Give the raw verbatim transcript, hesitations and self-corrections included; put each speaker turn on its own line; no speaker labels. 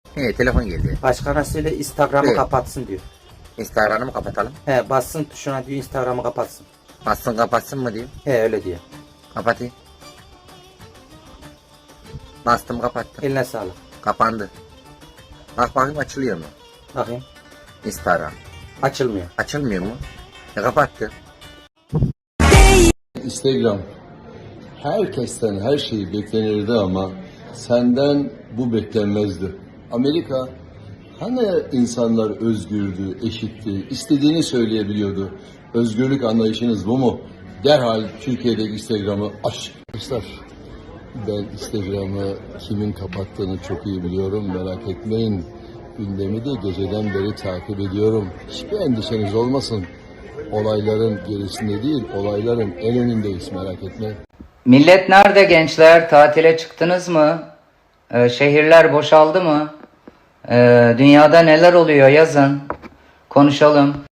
He, telefon geldi.
Başkana söyle Instagram'ı
Evet.
kapatsın diyor.
Instagram'ı mı kapatalım?
He, bassın tuşuna diyor, Instagram'ı kapatsın.
Bassın kapatsın mı diyor.
He, öyle diyor.
Kapatayım. Bastım kapattım.
Eline sağlık.
Kapandı. Bak bakayım açılıyor mu?
Bakayım.
Instagram.
Açılmıyor.
Açılmıyor mu? E kapattı.
Instagram herkesten her şeyi beklenirdi ama senden bu beklenmezdi. Amerika hani insanlar özgürdü, eşitti, istediğini söyleyebiliyordu. Özgürlük anlayışınız bu mu? Derhal Türkiye'deki Instagram'ı aç. Arkadaşlar ben Instagram'ı kimin kapattığını çok iyi biliyorum, merak etmeyin. Gündemi de geceden beri takip ediyorum. Hiçbir endişeniz olmasın. Olayların gerisinde değil, olayların en önündeyiz, merak etmeyin.
Millet nerede gençler? Tatile çıktınız mı? Ee, şehirler boşaldı mı? Ee, dünyada neler oluyor yazın. Konuşalım.